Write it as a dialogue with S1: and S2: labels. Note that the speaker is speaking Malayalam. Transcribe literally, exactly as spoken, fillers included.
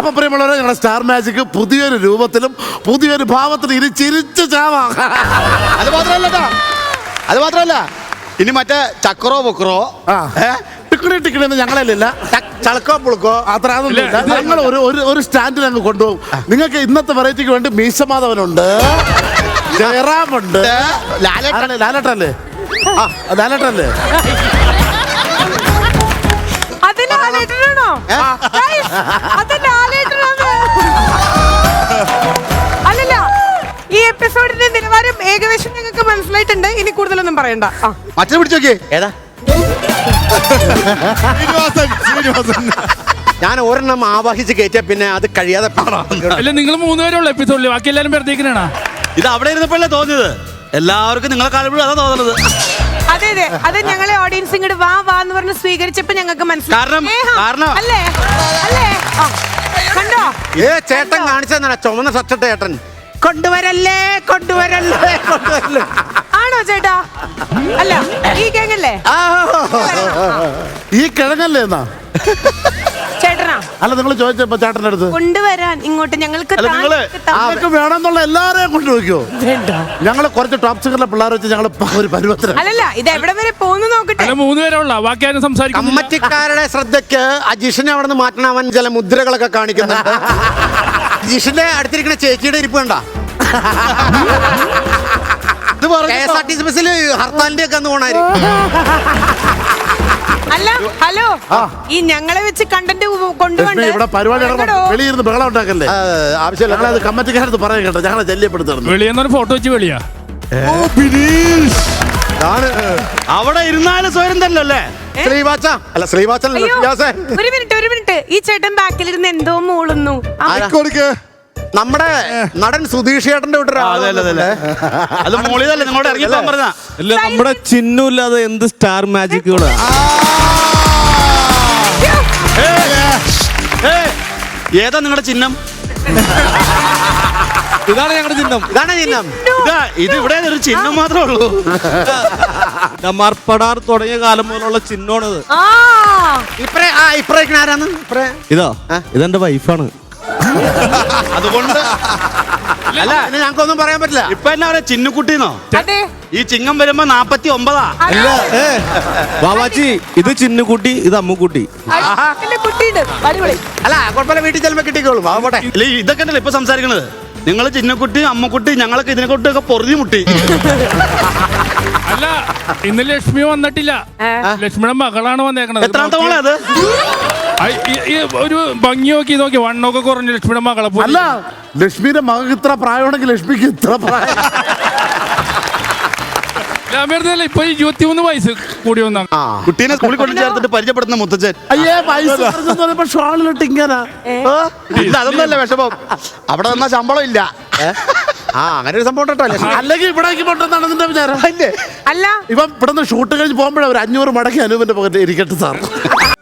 S1: അപ്പൊ പ്രിയമുള്ളവരെ, ഞങ്ങളുടെ സ്റ്റാർ മാജിക് പുതിയൊരു രൂപത്തിലും പുതിയൊരു ഭാവത്തിലും ഇനി ചിരിച്ചു ചാവാം.
S2: അത് മാത്രമല്ല അത് മാത്രമല്ല ഇനി മറ്റേ ചക്രോ പൊക്കറോ
S1: ടിക്കണി ടിക്കണി എന്ന് ഞങ്ങളല്ല,
S2: ചളക്കോ പുളുക്കോ
S1: അത്ര അതൊന്നുമില്ല. ഞങ്ങൾ ഒരു ഒരു സ്റ്റാൻഡിൽ അങ്ങ് കൊണ്ടുപോകും. നിങ്ങൾക്ക് ഇന്നത്തെ വെറൈറ്റിക്ക് വേണ്ടി മീശമാധവനുണ്ട്, ജയറാമുണ്ട്, ലാലേട്ടല്ലേ ലാലേട്ടല്ലേ ആ ലാലേട്ടല്ലേ
S3: അല്ലല്ല, ഈ എപ്പിസോഡിന്റെ നിലവാരം ഏകദേശം ഞങ്ങൾക്ക് മനസ്സിലായിട്ടുണ്ട്. ഇനി കൂടുതലൊന്നും പറയണ്ട.
S2: മറ്റേ പിടിച്ചോക്കേ ഏതാ ഞാൻ ഒരെണ്ണം ആവാഹിച്ച് കയറ്റിയ പിന്നെ അത് കഴിയാതെ
S4: അല്ല, നിങ്ങൾ മൂന്നുപേരുള്ള എപ്പിസോഡിൽ ബാക്കി എല്ലാരും വെറുതേക്കിനാണ്.
S5: ഇത് അവിടെ ഇരുന്നപ്പോഴല്ലേ തോന്നിയത്, എല്ലാവർക്കും നിങ്ങളെ കാണുമ്പോഴും അതാ തോന്നുന്നത്.
S3: അതെ അതെ, അത് ഞങ്ങളെ ഓഡിയൻസ് ഇങ്ങോട്ട് വാ വാ എന്ന് പറഞ്ഞ് സ്വീകരിച്ചപ്പോ ഞങ്ങൾക്ക്
S5: കാരണം- കാരണം-
S3: അല്ലേ അല്ലേ കണ്ടോ?
S2: ഏ ചേട്ടൻ കാണിച്ചെന്നാ ചുമന്ന ഷർട്ടിട്ട ചേട്ടൻ കൊണ്ടുവരല്ലേ കൊണ്ടുവരല്ലേ കൊണ്ടുവരല്ലേ
S3: ആണോ ചേട്ടാ? അല്ല, ഈ കേങ്ങല്ലേ
S1: ഈ കിഴങ്ങല്ലേ എന്നാ
S3: ചേട്ടനാ?
S1: അല്ല, നിങ്ങൾ ചോദിച്ചപ്പോ ചേട്ടൻ്റെ അടുത്ത്
S3: കൊണ്ടുവരാൻ ഇങ്ങോട്ട് ഞങ്ങൾക്ക്
S5: അല്ല, നിങ്ങള്
S1: ആർക്ക് വേണമെന്നുള്ള എല്ലാരെയും കൊണ്ടുപോയിക്കോ. ഞങ്ങള് കുറച്ച് ടോപ്പ് സിംഗറിലെ പിള്ളേർ വെച്ച് ഞങ്ങൾ ഒരു പരുവത്തിന്.
S3: അല്ലല്ല, ഇത് എവിടെ വരെ പോകുന്നു നോക്കട്ടെ.
S4: അല്ല, മൂന്നുപേരുള്ള ബാക്കി ആരും സംസാരിക്കും.
S2: കമ്മറ്റിക്കാരുടെ ശ്രദ്ധയ്ക്ക് അജീഷിനെ അവിടെ നിന്ന് മാറ്റണം. അവൻ ചില മുദ്രകളൊക്കെ കാണിക്കുന്നുണ്ട്. അജീഷിന്റെ അടുത്തിരിക്കുന്ന ചേച്ചിയുടെ ഇരിപ്പ് കണ്ട K S R T C ബസ്സിൽ ഹർത്താലിന്റെ ഒക്കെ അന്ന് പോണായിരിക്കും.
S3: അല്ല, ഹലോ, ഈ ഞങ്ങളെ വെച്ച് കണ്ടന്റ് കൊണ്ടുപോകണ്ട.
S1: ഇവിടെ പരിപാടി വെളിയിരുന്ന് ബഹളം ഉണ്ടാക്കല്ലേ, ആവശ്യമില്ല. ഞങ്ങളത് കമ്മറ്റിക്കാരത്ത് പറയാൻ കേട്ടോ, ഞങ്ങളെ ശല്യപ്പെടുത്തണം.
S4: വെളിയെന്നൊരു ഫോട്ടോ വെച്ച് വെളിയാ
S5: അവിടെ ഇരുന്നാലും സ്വയം തന്നെ അല്ലേ
S2: ശ്രീവാച്ച അല്ല ശ്രീവാച്ചൻ
S3: അയ്യോ, ഒരു മിനിറ്റ് ഒരു മിനിറ്റ് ഈ ചേട്ടൻ ബാക്കിലിരുന്ന് എന്തോ മൂളുന്നു.
S2: നമ്മുടെ നടൻ സുധീഷ് ചേട്ടന്റെ
S5: അത് മോളിതല്ലേ നിങ്ങളോട് ഇറങ്ങിപ്പോൻ പറഞ്ഞ.
S6: അല്ല, നമ്മുടെ ചിഹ്നമില്ലാതെ എന്ത് സ്റ്റാർ മാജിക്കുകളാ.
S5: ഏതാ നിങ്ങളുടെ ചിഹ്നം?
S6: ഇതാണ് ഞങ്ങളുടെ ചിഹ്നം.
S2: ഇതാണ് ചിഹ്നം.
S5: ഇതാ ഇത് ഇവിടെ ഒരു ചിഹ്നം മാത്രമേ ഉള്ളൂ.
S6: മർപ്പടാർ തുടങ്ങിയ കാലം മുതലുള്ള ചിഹ്നമാണിത്.
S2: ഇപ്പറേ ആ ഇപ്പറേക്ക് ആരാന്ന് ഇപ്പറേ
S6: ഇതോ ഇതെന്റെ വൈഫാണ്.
S5: അതുകൊണ്ട്
S2: അല്ല ഞങ്ങൾക്കൊന്നും പറയാൻ പറ്റില്ല.
S5: ഇപ്പൊ എന്നാ പറയാ, ചിന്നുകുട്ടിന്നോ?
S3: അതെ,
S5: ഈ ചിങ്ങം വരുമ്പോ നാപ്പത്തി ഒമ്പതാ.
S6: അല്ല, ഏ ബാബാജി, ഇത് ചിന്നുകുട്ടി, ഇത് അമ്മുക്കുട്ടി.
S3: കുട്ടിയുണ്ട്, അടിപൊളി.
S2: അല്ല കുഴപ്പമില്ല, വീട്ടിൽ ചെല്ലുമ്പോ കിട്ടിക്കോളും. ആവട്ടെ.
S5: ഇല്ല, ഇതൊക്കെ ഉണ്ടല്ലോ ഇപ്പൊ സംസാരിക്കണത്. നിങ്ങള് ചിന്നക്കുട്ടി അമ്മക്കുട്ടി ഞങ്ങളൊക്കെ ഇതിനെ കൊണ്ടൊക്കെ പൊറുതി മുട്ടി.
S4: അല്ല, ഇന്ന് ലക്ഷ്മി വന്നിട്ടില്ല. ലക്ഷ്മിയുടെ മകളാണ് വന്നേക്കണത്.
S5: എത്രാമത്തെ മോളെ അത്?
S4: ഒരു ഭംഗി നോക്കി നോക്കി വണ്ണൊക്കെ കുറഞ്ഞു ലക്ഷ്മിയുടെ മകളെ.
S1: അല്ല, ലക്ഷ്മിയുടെ മകൾക്ക് ഇത്ര പ്രായമാണെങ്കിൽ ലക്ഷ്മിക്ക് ഇത്ര പ്രായം.
S4: ഇപ്പൊ ഇരുപത്തിമൂന്ന് വയസ്സ് കൂടി വന്ന
S5: കുട്ടീനെ സ്കൂളിൽ കൊണ്ട് ചേർത്തിട്ട് പരിചയപ്പെടുന്ന മുത്തച്ഛൻ.
S1: അയ്യേ, വയസ്സ് ഷോളിലിട്ട് ഇങ്ങനെ.
S5: ഇല്ല, അതൊന്നല്ല വിഷമം. അവിടെ നിന്നാ ശമ്പളം ഇല്ല.
S2: ആ അങ്ങനെ ഒരു സംഭവം കേട്ടോ.
S1: അല്ലെങ്കിൽ ഇവിടേക്ക് പൊട്ടെന്നാണ് നിന്റെ വിചാരം.
S3: അല്ല,
S1: ഇപ്പം ഇവിടെ നിന്ന് ഷൂട്ട് കഴിഞ്ഞ് പോകുമ്പോഴേ ഒരു അഞ്ഞൂറ് മടക്കി അനൂപിന്റെ പോകട്ടെ ഇരിക്കട്ടെ സാർ.